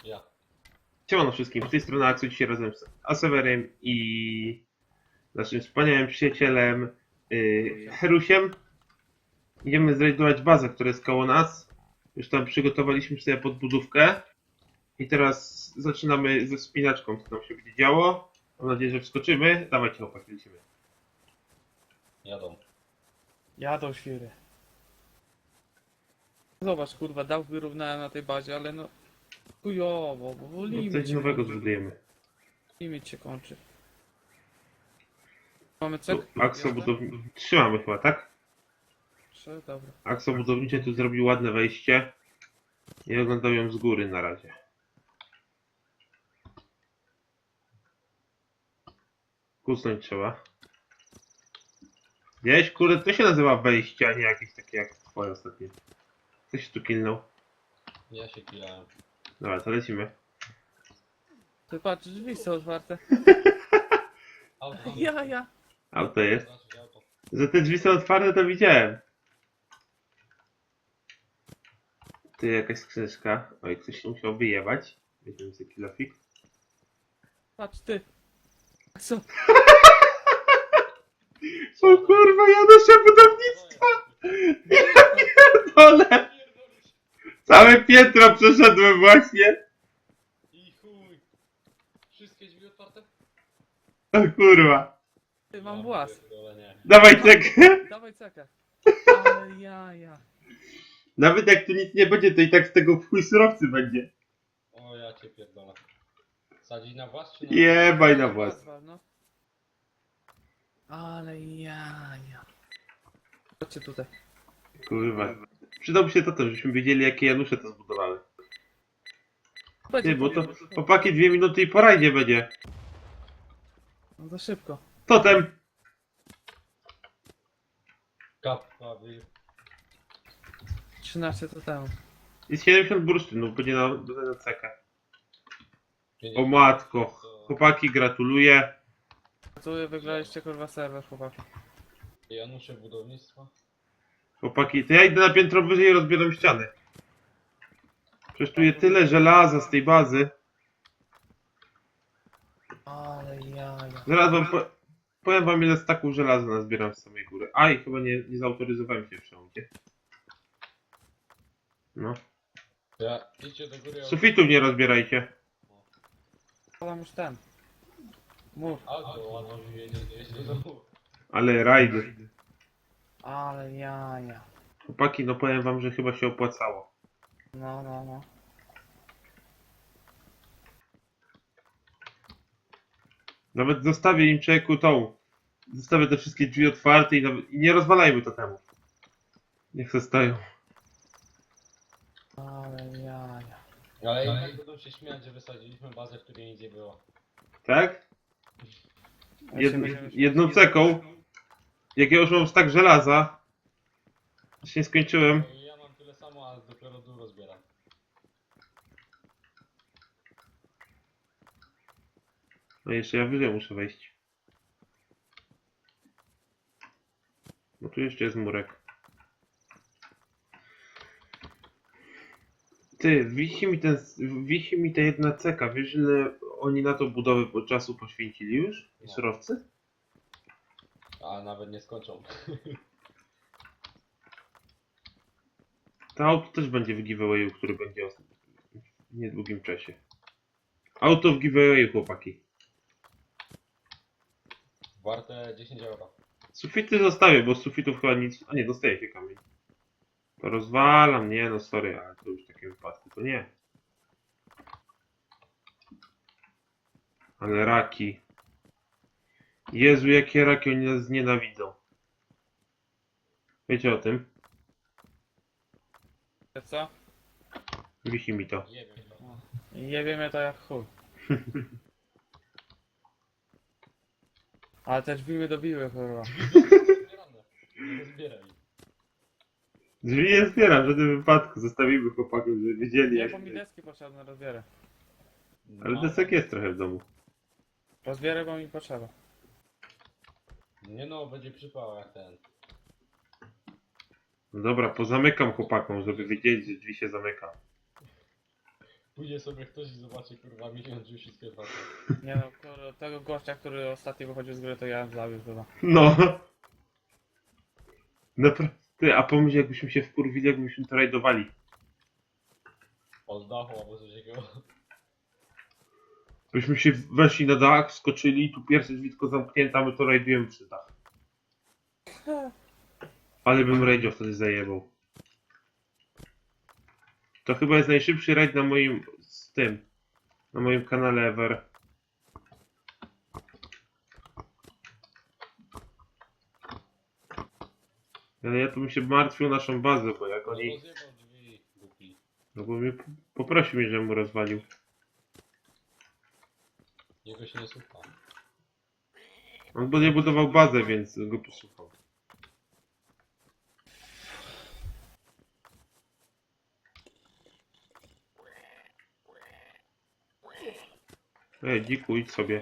Ja. Siemano wszystkim, z tej strony Aksu, dzisiaj razem z Asewerem i naszym wspaniałym przyjacielem Herusiem. Idziemy zrajdować bazę, która jest koło nas. Już tam przygotowaliśmy sobie podbudówkę. I teraz zaczynamy ze wspinaczką, co tam się będzie działo. Mam nadzieję, że wskoczymy. Dawajcie chłopaki, lecimy. Jadą. Jadą świry. Zobacz, kurwa, dał wyrównałem na tej bazie, ale no... Chujowo, bo No, limit coś się nowego kończy. zbudujemy. Limit się kończy. Mamy Tu cek? Akso budownicze. Trzymamy chyba, tak? 3, dobra. Akso budownicze tu zrobił ładne wejście. I oglądam ją z góry na razie. Kusnąć trzeba. Gdzieś, kurde, to się nazywa wejście, a nie jakieś takie jak twoje ostatnie. Ktoś tu kilnął. Ja się kilałem. Dobra, to lecimy. Ty patrz, drzwi są otwarte. Auto. Ja. Auto jest. Zobaczyć auto. Że te drzwi są otwarte, to widziałem. Tu jakaś skrzyneczka. Oj, ktoś się musiał wyjebać. Weźmiemy sobie kilofik. Patrz, ty. Co? O kurwa, Janusze budownictwa! Ja pierdolę! Całe piętro przeszedłem właśnie. I chuj. Wszystkie drzwi otwarte? O kurwa. Ty, mam włas. pierdolę, nie. Dawaj cekę. Dawaj cekę. Ale ja. Nawet jak tu nic nie będzie, to i tak z tego w chuj surowcy będzie. O, ja cię pierdolę. Sadzić na włas czy na... Jebaj na włas. No. Ale ja. Chodźcie tutaj. Kurwa. Przydałby się to też, żebyśmy wiedzieli, jakie Janusze to zbudowały. Będzie Ty, bo to powiem. chłopaki 2 minuty i po rajdzie będzie. No za szybko. Totem! Kapka, wy... 13 to temu. Jest 70 bursztynów, będzie na cekę. O 50. matko. Chłopaki, gratuluję. Tu wygraliście kurwa serwer, chłopaki. Janusze budownictwa. Chłopaki, to ja idę na piętro wyżej i rozbieram ściany. Przecież tu jest tyle żelaza z tej bazy. Ale ja. Zaraz wam powiem wam, ile staków żelaza nazbieram z samej góry. Aj, chyba nie zautoryzowałem się w przełądzie. No. Ja, idźcie do góry. Sufitów nie rozbierajcie. Mam już ten. Mów. Auto ładno jedzie do domu. Ale rajdy. Ale ja. Chłopaki, no powiem wam, że chyba się opłacało. No. Nawet zostawię im człowieku tą. Zostawię te wszystkie drzwi otwarte i nie rozwalajmy to temu. Niech se stoją. Ale ja. Ale i tak będą się śmiać, że wysadziliśmy bazę, w której nic nie było. Tak? Ja się będziemy Jedną śmiać. ceką. Jak ja już mam stak żelaza. Jeszcze nie skończyłem. No i ja mam tyle samo, ale dopiero dół rozbieram. No jeszcze ja wyżej muszę wejść. No tu jeszcze jest murek. Ty, wisi mi ta jedna ceka. Wiesz, ile oni na to budowę po czasu poświęcili już? I No. surowcy? A nawet nie skończą. To auto też będzie w giveawayu, który będzie w niedługim czasie. Auto w giveawayu, chłopaki. Warte 10 euro. Sufity zostawię, bo z sufitów chyba nic... A nie, dostaje się kamień. To rozwalam, nie no sorry, ale to już w takim wypadku to nie. Ale raki. Jezu, jakie raki, oni nas nienawidzą. Wiecie o tym? Co? Wisi mi to. Nie wiem. No. Jebie mnie to jak chuj. Ale te drzwi mnie dobiły, kurwa. Zbierane. Nie zbieraj. Drzwi nie zbieram w żadnym wypadku, zostawimy chłopaków, żeby wiedzieli Nie, jak... bo mi deski potrzebne, rozbierę. Ale No. desek jest trochę w domu. Rozbierę, bo mi potrzeba. Nie no, będzie przypał jak ten. No dobra, pozamykam chłopakom, żeby wiedzieli, że drzwi się zamyka. Pójdzie sobie ktoś i zobaczy, kurwa, milion już wszystkie dwa. Nie no, tego gościa, który ostatnio wychodził z gry, to ja bym zabił chyba. No. Naprawdę, a pomyśl jakbyśmy się wkurwili, jakbyśmy to rajdowali. Od dachu albo coś takiego. Byśmy się weszli na dach, skoczyli, tu pierwsze drzwi tylko zamknięte, a my to rajdujemy przy dach. Ale bym rajdział wtedy zajebał. To chyba jest najszybszy rajd na moim, na moim kanale ever. Ale ja tu bym się martwił o naszą bazę, bo jak No oni... rozjebał drzwi, głupi. No bo mnie poprosił mnie, żebym mu rozwalił. Jego się nie słucha. On bo nie budował bazę, więc go posłuchał. Ej, dziku, idź sobie.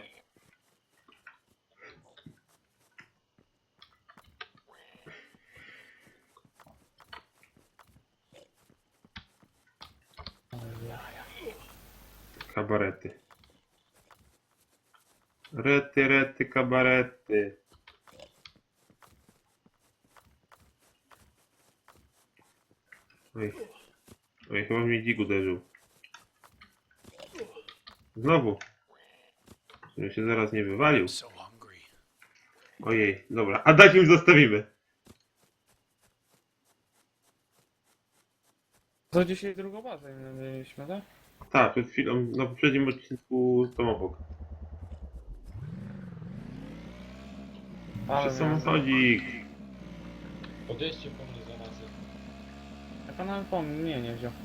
Kabarety. Rety, kabarety. Oj. Oj, chyba mnie dzik uderzył. Znowu. Żeby się zaraz nie wywalił. So hungry. Ojej, dobra. A dać im zostawimy. To dzisiaj drugą bazę mieliśmy, tak? Tak, przed chwilą, na poprzednim odcinku tam obok. Ale Przez samochodzik. Podjeźdźcie po mnie za masę. Jak on nawet po mnie nie wziął.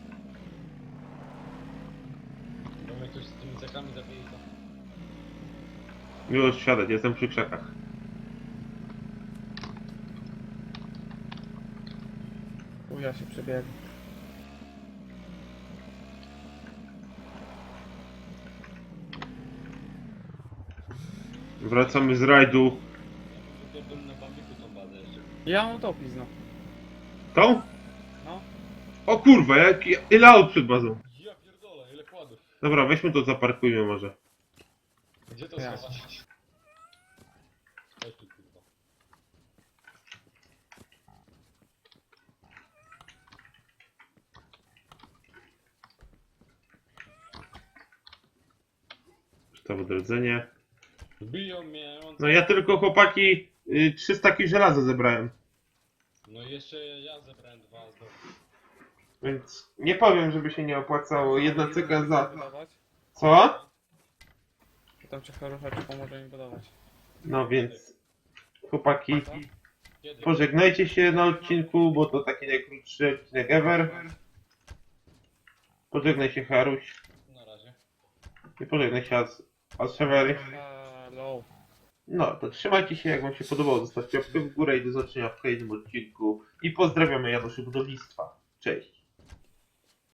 Bo mnie ktoś z tymi cekami zabije tam. Miło świadek, jestem przy krzakach. Ja się przebiegł. Wracamy z rajdu. Ja bym na bambiku tą bazę jeszcze. Ja mam utopizm, no. Tą? No. O kurwa, ile aut przed bazą? Ja pierdolę, ile kładów. Dobra, weźmy to, zaparkujmy może. Gdzie to Ja. schować? Chodź tu, kurwa. Ustaw odrodzenie. Biją mnie, on... No ja tylko chłopaki 300 kg żelaza zebrałem. No i jeszcze ja zebrałem dwa znowu. Więc nie powiem, żeby się nie opłacało. Jedna cyka za... Budować. Co? Potem cię Haruchacz pomoże mi budować. No więc... Chłopaki, Kiedy? pożegnajcie się na odcinku, bo to taki najkrótszy odcinek ever. Pożegnaj się Haruś. Na razie. I pożegnaj się Asevery. Hello. No, to trzymajcie się, jak wam się podobało, zostawcie łapkę w górę i do zobaczenia w kolejnym odcinku. I pozdrawiamy Januszy Budownictwa. Cześć.